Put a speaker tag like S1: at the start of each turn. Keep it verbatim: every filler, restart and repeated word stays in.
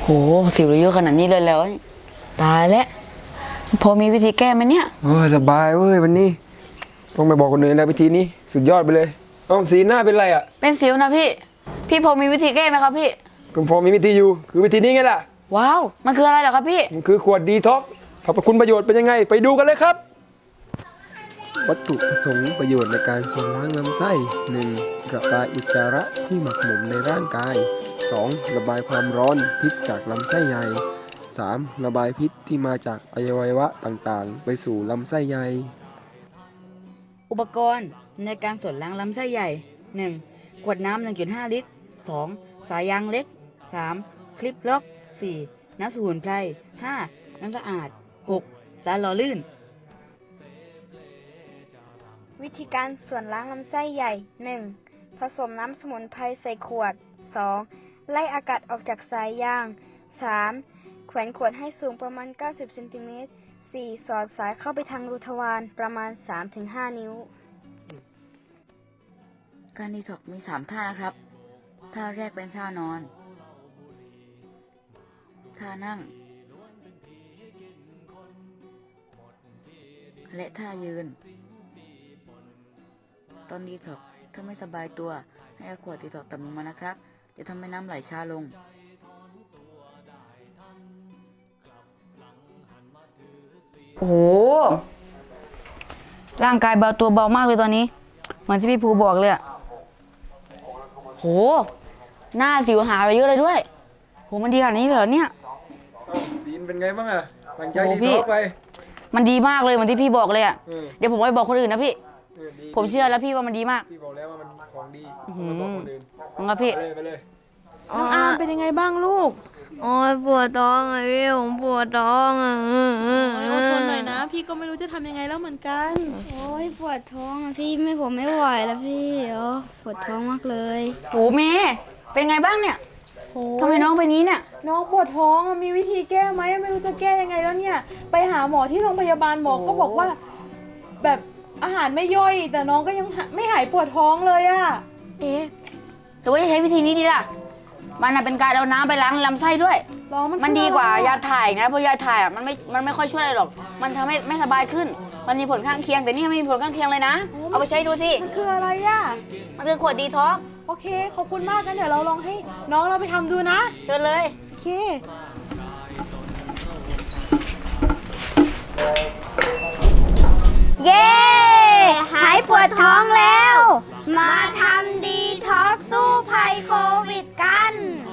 S1: สิวเยอะขนาดนี้เลยแล้วตายแล้วพอมีวิธีแก้ไหมเนี่ย
S2: โอ้สบายเว้ยวันนี้ต้องไปบอกคนอื่นแล้ววิธีนี้สุดยอดไปเลยอ้าวสีหน้าเป็นไรอ่ะ
S1: เป็นสิวนะพี่พี่พอมีวิธีแก้ไหมครับพี่
S2: ก็พอมีวิธีอยู่คือวิธีนี้ไงล่ะ
S1: ว้าวมันคืออะไรเหรอครับพี่
S2: มันคือขวดดีท็อกซ์สรรพคุณประโยชน์เป็นยังไงไปดูกันเลยครับวัตถุประสงค์ประโยชน์ในการส่วนล้างลำไส้ หนึ่ง. ระบายอุจจาระที่หมักหมมในร่างกาย สอง. ระบายความร้อนพิษจากลำไส้ใหญ่ สาม. ระบายพิษที่มาจากอวัยวะต่างๆไปสู่ลำไส้ใหญ่
S1: อุปกรณ์ในการส่วนล้างลำไส้ใหญ่ หนึ่ง. ขวดน้ำ หนึ่งจุดห้า ลิตร สอง. สายยางเล็ก สาม. คลิปล็อก สี่. น้ำสมุนไพร ห้า. น้ำสะอาด หก. สารหล่อลื่น
S3: วิธีการส่วนล้างลำไส้ใหญ่ หนึ่ง. ผสมน้ำสมุนไพรใส่ขวด สอง. ไล่อากาศออกจากสายยาง สาม. แขวนขวดให้สูงประมาณ เก้าสิบ เซนติเมตร สี่. สอดสายเข้าไปทางรูทวารประมาณ สามถึงห้า นิ้ว
S1: การดีท็อกซ์มีสามท่านะครับท่าแรกเป็นท่านอนท่านั่งและท่ายืนตอนดีท็อกซ์ถ้าไม่สบายตัวให้เอาขวดดีท็อกซ์ต่ำลงมานะครับจะทำให้น้ำไหลช้าลงโอ้โหร่างกายเบาตัวเบามากเลยตอนนี้เหมือนที่พี่ภูบอกเลยอะโหหน้าสิวหายไปเยอะเลยด้วยโหมันดีขนาดนี้เหรอเนี่ย
S2: สีนเป็นไงบ้างอะหลังจากดีท็อกซ์ไป
S1: มันดีมากเลยเหมือนที่พี่บอกเลยอะเดี๋ยวผมไปบอกคนอื่นนะพี่ผมเชื่อแล้วพี่ว่ามันดีมาก
S2: พี่บอกแล้วว่ามันของดี
S1: ไปบอกคนอื่นงั้นพี่
S2: ไปเลย
S4: น้องอาร์มเป็นยังไงบ้างลูก
S5: โอ้ยปวดท้องอ่ะพี่ผมปวดท้องอ่ะ
S4: อดทนหน่อยนะพี่ก็ไม่รู้จะทำยังไงแล้วเหมือนกัน
S5: โอ้ยปวดท้องอ่ะพี่ไม่ผมไม่ไหวแล้วพี่โอ้ปวดท้องมากเลย
S1: โหเมย์เป็นไงบ้างเนี่ยทำไมน้องเป็นนี้เนี่ย
S4: น้องปวดท้องมีวิธีแก้ไหมไม่รู้จะแก้ยังไงแล้วเนี่ยไปหาหมอที่โรงพยาบาลหมอก็บอกว่าแบบอาหารไม่ย่อยแต่น้องก็ยังไม่หายปวดท้องเลยอะ
S1: เอ๊ะหรือว่าจะใช้วิธีนี้ดีล่ะมันเป็นการเอาน้ำไปล้างลำไส้ด้วยมันดีกว่ายาถ่ายนะเพราะยาถ่ายอ่ะมันไม่มันไม่ค่อยช่วยอะไรหรอกมันทำให้ไม่สบายขึ้นมันมีผลข้างเคียงแต่นี่ไม่มีผลข้างเคียงเลยนะเอาไปใช้ดูสิ
S4: มันคืออะไรอ่ะ
S1: มันคือขวดดีท็อกซ์
S4: โอเคขอบคุณมากกันเดี๋ยวเราลองให้น้องเราไปทำดูนะ
S1: เชิญเลย
S4: โอเค
S5: เย้หายปวดท้องแล้วมาทำดีท็อกซ์สู้ภัยโควิดกัน